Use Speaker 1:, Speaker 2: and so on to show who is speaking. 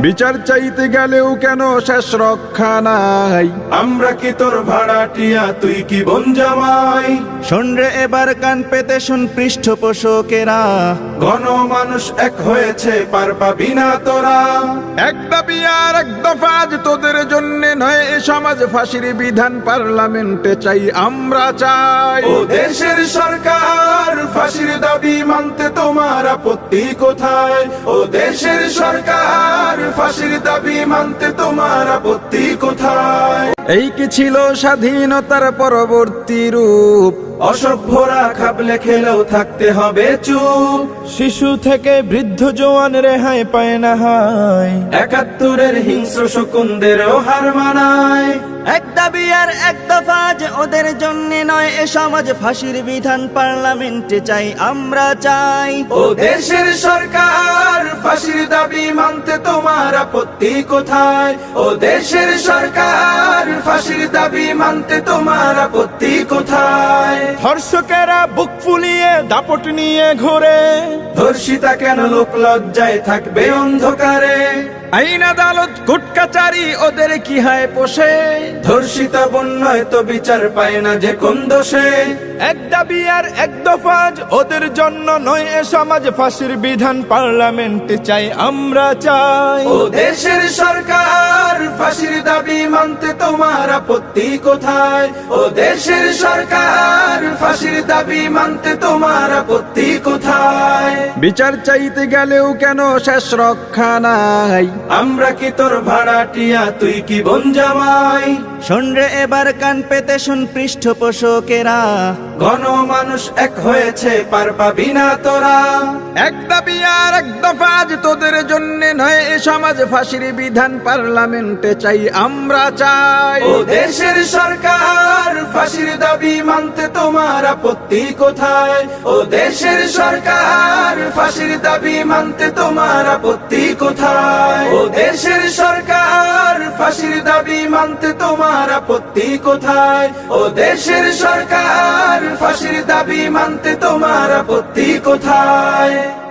Speaker 1: বিচার চাইতে গেলেও কেন শেষ রক্ষা নাই।
Speaker 2: আমরা কি তোর ভাড়াটিয়া, তুই কি বোন জামাই?
Speaker 3: শোন রে এবার কান পেতে শুন পৃষ্ঠপোষকেরা,
Speaker 2: ঘন মানুষ এক হয়েছে, পার পাবি না তোরা।
Speaker 1: এক দাবি আর এক দফা আজ তোদের জন্য নয়, এ সমাজ ফাঁসির বিধান পার্লামেন্টে চাই, আমরা চাই।
Speaker 2: ও দেশের সরকার, ফাঁসির দাবি মানতে তোমার আপত্তি কোথায়? ও দেশের সরকার, ফাঁসির দাবি মানতে তোমার আপত্তি কোথায়?
Speaker 1: এই কি ছিল স্বাধীনতার পরবর্তী রূপ?
Speaker 2: অসভ্যরা খাবলে খেলেও থাকতে হবে চুপ।
Speaker 3: শিশু থেকে বৃদ্ধ জওয়ান রেহাই পায় না হায়।
Speaker 2: ৭১-এর হিংস্র শকুনদেরও হার মানায়।
Speaker 3: এক দাবি আর এক দফা আজ ওদের জন্য নয়, এ সমাজ ফাঁসির বিধান পার্লামেন্টে চাই, আমরা চাই।
Speaker 2: ও দেশের সরকার, ফাঁসির দাবি মানতে তোমার আপত্তি কোথায়? ও দেশের সরকার, ফাঁসির দাবি মানতে তোমার আপত্তি কোথায়?
Speaker 3: ধর্ষকেরা বুক ফুলিয়ে দাপট নিয়ে ঘোরে,
Speaker 2: ধর্ষিতা কেন লোক লজ্জায় থাকবে অন্ধকারে?
Speaker 1: আইন আদালত কোর্ট কাচারি ওদের কি হয় পোষে?
Speaker 2: ধর্ষিতা বন্যয় তো বিচার পায় না যে কোন দোষে?
Speaker 3: এক দাবি আর এক দফা আজ ওদের জন্য নয়, এ সমাজ ফাঁসির বিধান পার্লামেন্টে চাই, আমরা চাই।
Speaker 2: ও দেশের সরকার, ফাঁসির দাবি মানতে তোমার আপত্তি কোথায়? ও দেশের সরকার, ফাঁসির দাবি মানতে তোমার আপত্তি কোথায়?
Speaker 1: বিচার চাইতে গেলেও কেন শেষ রক্ষা নাই।
Speaker 2: আমরা কি তোর ভাড়াটিয়া, তুই কি বোন জামাই?
Speaker 3: শোন রে এবার কান পেতে শুন পৃষ্ঠপোষকেরা,
Speaker 2: ঘন মানুষ এক হয়েছে, পার পাবি না তোরা।
Speaker 1: এক দাবি আর এক দফা আজ তোদের জন্য নয়, এ সমাজ ফাঁসির বিধান পার্লামেন্টে চাই, আমরা চাই।
Speaker 2: ও দেশের সরকার, ফাঁসির দাবি মানতে তোমার আপত্তি কোথায়? ও দেশের সরকার, ফাঁসির দাবি মানতে তোমার আপত্তি কোথায়? ও দেশের সরকার, ফাঁসির দাবি মানতে তোমার আপত্তি কোথায়? ও দেশের সরকার, ফাঁসির দাবি মানতে তোমার আপত্তি কোথায়?